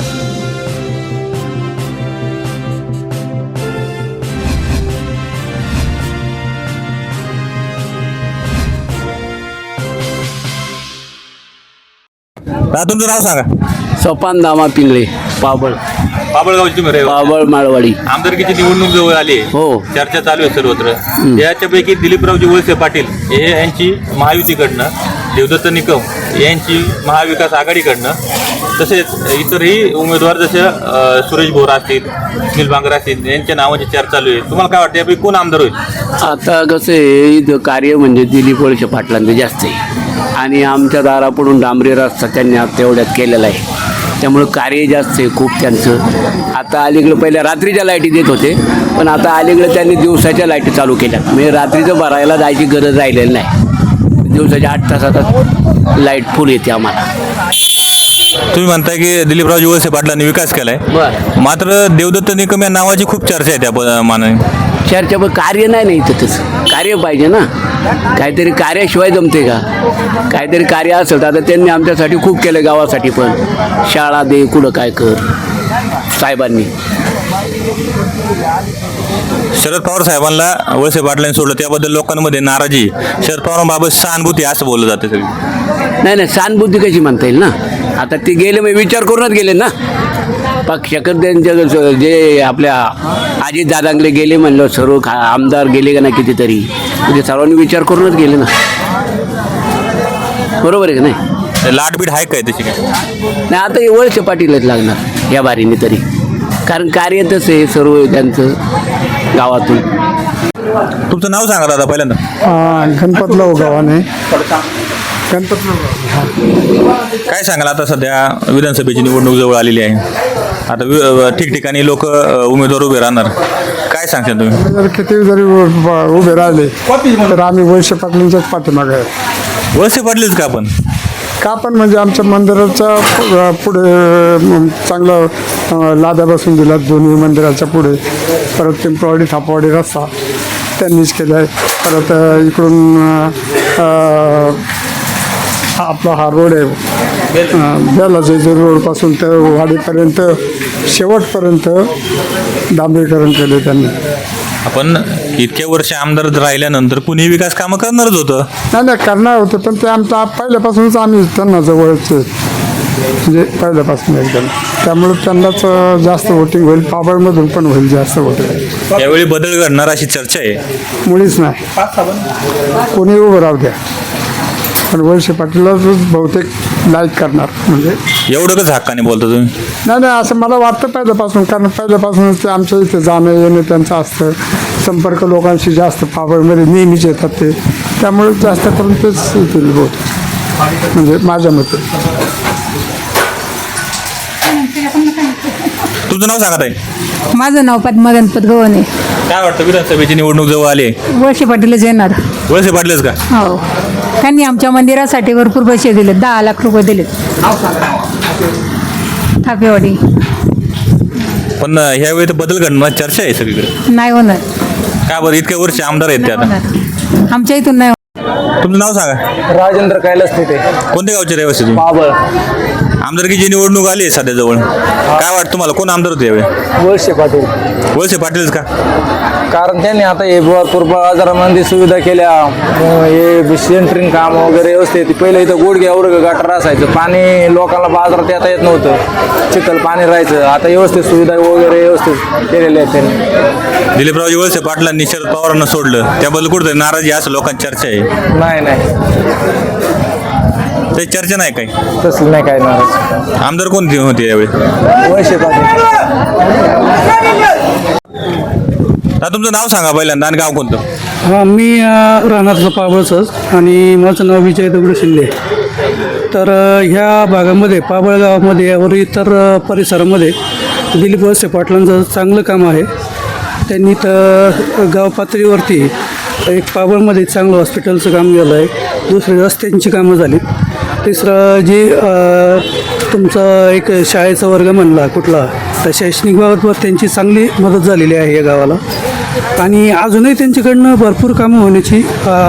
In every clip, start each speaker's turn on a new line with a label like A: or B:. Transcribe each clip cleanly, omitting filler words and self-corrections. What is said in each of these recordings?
A: तुमचं नाव सांगा.
B: सोपान दामा पिंगळे, पाबळ.
A: बाबळगावची तुम्ही रहिवासी.
B: पाबळ माळवाडी.
A: आमदारकीची निवडणूक जवळ आली.
B: हो.
A: चर्चा चालू आहे सर्वत्र. याच्यापैकी दिलीपरावजी वळसे पाटील हे यांची महायुतीकडनं, देवदत्त निकम यांची महाविकास आघाडीकडनं, तसेच इतरही उमेदवार जसे सुरेश भोरा असतील, सुनील बांगर असतील, यांच्या नावाची चर्चा चालू आहे. तुम्हाला काय वाटतं यापैकी कोण आमदार होईल?
B: आता कसं आहे, इथं कार्य म्हणजे दिलीप वळसे पाटलांचं जास्त आहे आणि आमच्या दारापुढून डांबरी रस्ता त्यांनी आता तेवढ्यात केलेला आहे, त्यामुळं कार्य जास्त आहे खूप त्यांचं. आता अलीकडं पहिल्या रात्रीच्या लाईटी देत होते, पण आता अलीकडं त्यांनी दिवसाच्या लाईटी चालू केल्या, म्हणजे रात्रीचं भरायला जायची गरज राहिलेली नाही. दिवसाच्या 8 तासात लाईट फुल येते आम्हाला.
A: तुम्ही म्हणताय की दिलीपरावजी वळसे पाटलांनी विकास केलाय,
B: बरं.
A: मात्र देवदत्त निकम या नावाची खूप चर्चा आहे त्या मानाने.
B: चर्चा पण कार्य नाही इथं, तसं कार्य पाहिजे ना. काहीतरी कार्याशिवाय जमते का? काहीतरी कार्य असेल तर आता त्यांनी आमच्यासाठी खूप केलं, गावासाठी पण शाळा दे, कुठं काय कर साहेबांनी.
A: शरद पवार साहेबांना वळसे पाटलांनी सोडलं, त्याबद्दल लोकांमध्ये नाराजी. शरद पवारांबाबत सहानुभूती असं बोललं जातं सगळी.
B: नाही, सहानुभूती कशी म्हणता येईल ना. आता ते गेले, मग विचार करूनच गेले ना. पक्षाकडे त्यांच्या जे आपल्या अजित दादांकडे गेले म्हणलं, सर्व आमदार गेले का नाही कितीतरी, म्हणजे सर्वांनी विचार करूनच गेले ना. बरोबर आहे का नाही?
A: लाटबीट आहे काय तशी काय?
B: नाही, आता हे वळसे पाटीलच लागणार या बारीने तरी, कारण कार्य तसं आहे सर्व त्यांचं गावातून.
A: तुमचं नाव सांगा दादा पहिल्यांदा.
C: गणपतराव गावाने.
A: काय सांगाल, आता सध्या विधानसभेची निवडणूक जवळ आलेली आहे, आता ठिकठिकाणी लोक उमेदवार उभे राहणार, काय सांगशाल तुम्ही?
C: जर किती जरी उभे राहिले तर आम्ही वळसे पाटलांच्याच पाठीमागे आहे.
A: वळसे पाटलेच का आपण?
C: का पण म्हणजे आमच्या मंदिराच्या पुढे चांगलं लाद्या बसून दिला, दोन्ही मंदिराच्या पुढे. परत पिंपळवाडी थापवाडी रस्ता त्यांनीच केला आहे. परत इकडून आपला हा रोड आहे, बेलाचे रोडपासून तर वाडीपर्यंत शेवटपर्यंत डांबरीकरण केले त्यांनी.
A: आपण इतक्या वर्ष आमदार राहिल्यानंतर कुणी विकास कामं करणारच होतं.
C: नाही करणार होते, पण ते आमच्या पहिल्यापासूनच आम्ही त्यांना जवळचे, म्हणजे पहिल्यापासून एकदम. त्यामुळे त्यांनाच जास्त वोटिंग होईल, पाबळमधून पण होईल जास्त वोटिंग.
A: यावेळी बदल घडणार अशी चर्चा आहे.
C: मुळीच नाही, कोणी उभं राहू द्या, पण वळसे पाटीलच बहुतेक लाईक करणार. म्हणजे
A: एवढं का हक्काने बोलता तुम्ही?
C: नाही असं मला वाटतं पहिल्यापासून, कारण पहिल्यापासूनच ते आमच्या इथे जाणं येणं त्यांचं असतं, संपर्क लोकांशी जास्त पाबळमध्ये नेहमीच येतात ते, त्यामुळे जास्त करून तेच येतील बहुत, म्हणजे माझ्या मते.
A: तुमचं नाव सांगा ताई.
D: माझं नाव पद्मा गणपत गव्हाणे.
A: काय वाटतं, विधानसभेची निवडणूक जवळ आली,
D: वळसे पाटीलच येणार.
A: वळसे पाटलेच का?
D: हो, त्यांनी आमच्या मंदिरासाठी भरपूर पैसे दिले, 10 लाख रुपये दिलेत थापेवाडी.
A: पण ह्यावेळी तर बदल घडणार चर्चा आहे सगळीकडे.
D: नाही होणार.
A: का बरं, इतक्या वर्ष आमदार आहेत ते आता?
D: होणार. आमच्या इथून नाही.
A: तुमचं नाव सांगा.
E: राजेंद्र कैलास तिथे,
A: कोणत्या गावचे रहिवासी तुम्ही?
E: बाबळ.
A: आमदारकीची निवडणूक आली आहे सध्या जवळ, काय वाटतं तुम्हाला, कोण आमदार होते यावेळी?
E: वळसे पाटील.
A: वळसे पाटीलच का?
E: कारण त्यांनी आता हे भरपूर बाजारामध्ये सुविधा केल्या, हे सेंटरिंग काम वगैरे व्यवस्थित. पहिले इथं गुडघ्या एवढं गटार असायचं, पाणी लोकांना बाजारात येता येत नव्हतं, चिखल पाणी राहायचं. आता व्यवस्थित सुविधा वगैरे व्यवस्थित केलेल्या आहेत त्यांनी.
A: दिलीपरावजी वळसे पाटलांनी शरद पवारांना सोडलं, त्याबद्दल कुठं नाराजी असं लोकांची चर्चा आहे.
E: नाही
A: ते चर्चा नाही काही,
E: तसलं नाही काय नाराज.
A: आमदार कोण होते यावेळी?
E: वळसे पाटील.
A: आता तुमचं नाव सांगा पहिल्यांदा आणि गाव कोणतं?
F: हां, मी राहणार पाबळचंच आणि माझं नाव विजय दगडू शिंदे. तर ह्या भागामध्ये पाबळ गावामध्ये व इतर परिसरामध्ये दिलीप वळसे पाटलांचं चांगलं काम आहे. त्यांनी तर गाव पातळीवरती एक पाबळमध्ये चांगलं हॉस्पिटलचं काम झालं आहे, दुसरी रस्त्यांची कामं झाली, तिसरं जी तुमचा एक शाळेचा वर्ग म्हणला कुठला, तर शैक्षणिक बाबतवर त्यांची चांगली मदत झालेली आहे या गावाला. आणि अजूनही त्यांच्याकडनं भरपूर कामं होण्याची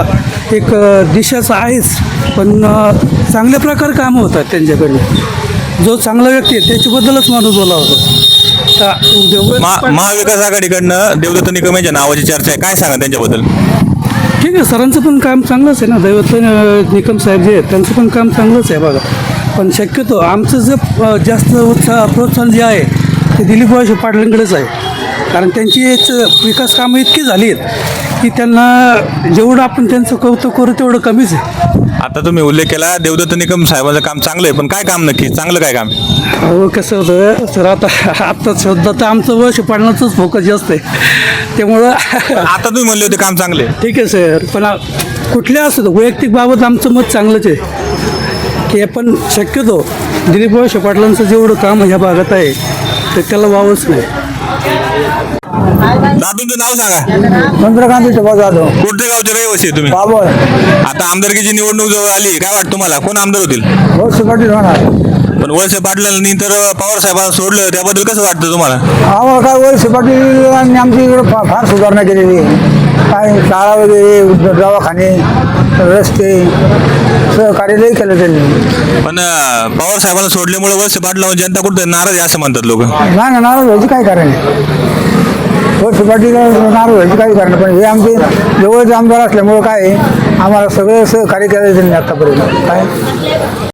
F: एक दिशाच आहेच, पण चांगल्या प्रकारे कामं होतात त्यांच्याकडनं. जो चांगला व्यक्ती आहे त्याच्याबद्दलच माणूस बोला होता.
A: महाविकास आघाडीकडनं देवदत्त निकम यांच्या नावाची चर्चा आहे, काय सांगा त्यांच्याबद्दल?
F: ठीक आहे, सरांचं पण काम चांगलंच आहे ना. दैवत निकम साहेब जे आहेत त्यांचं पण काम चांगलंच आहे बघा. पण शक्यतो आमचं जे जास्त प्रोत्साहन जे आहे ते दिलीप वळसे पाटलांकडेच आहे. कारण त्यांची विकास कामं इतकी झाली आहेत की त्यांना जेवढं आपण त्यांचं कौतुक करू तेवढं कमीच आहे.
A: आता तुम्ही उल्लेख केला देवदत्त निकम साहेबांचं काम चांगलं आहे, पण काय काम नक्की चांगलं काय काम आहे?
F: हो, कसं होतं सर, आता सध्या तर आमचं वळसे पाटलांचंच फोकस जास्त आहे. त्यामुळं
A: आता तुम्ही म्हणले होते काम चांगले आहे.
F: ठीक आहे सर, पण कुठल्या असं वैयक्तिक बाबत आमचं मत चांगलंच आहे की आपण शक्यतो दिलीप वळसे पाटलांचं जेवढं काम ह्या भागात आहे तर त्याला वावच नाही.
A: दादूंचं नाव सांगा.
C: चंद्रकांत जाधव,
A: कोणत्या गावचे रहिवासी आहे तुम्ही?
C: बाबळ,
A: आता आमदारकीची निवडणूक जवळ आली, काय वाटतं तुम्हाला कोण आमदार होतील?
C: वळसे पाटील होणार.
A: पण वळसे पाटलांनी तर पवार साहेबांना सोडलं, त्याबद्दल कसं वाटतं तुम्हाला?
C: आम्हाला काय वळसे पाटील आणि आमच्या इकडं फार सुधारणा केलेली आहे. काय शाळा वगैरे, दवाखाने, रस्ते, सहकार्यलय केलं त्यांनी.
A: पण पवार साहेबांना सोडल्यामुळे वळसे पाटलावर जनता कुठं नाराज आहे असं म्हणतात लोक.
C: नाही ना, नाराज व्हायचं काय कारण आहे? वळसे पाटील नाराज व्हायचं काही कारण नाही. पण हे आमचे जवळचे आमदार असल्यामुळं काय आहे, आम्हाला सगळं सहकार्य केलं त्यांनी आतापर्यंत. काय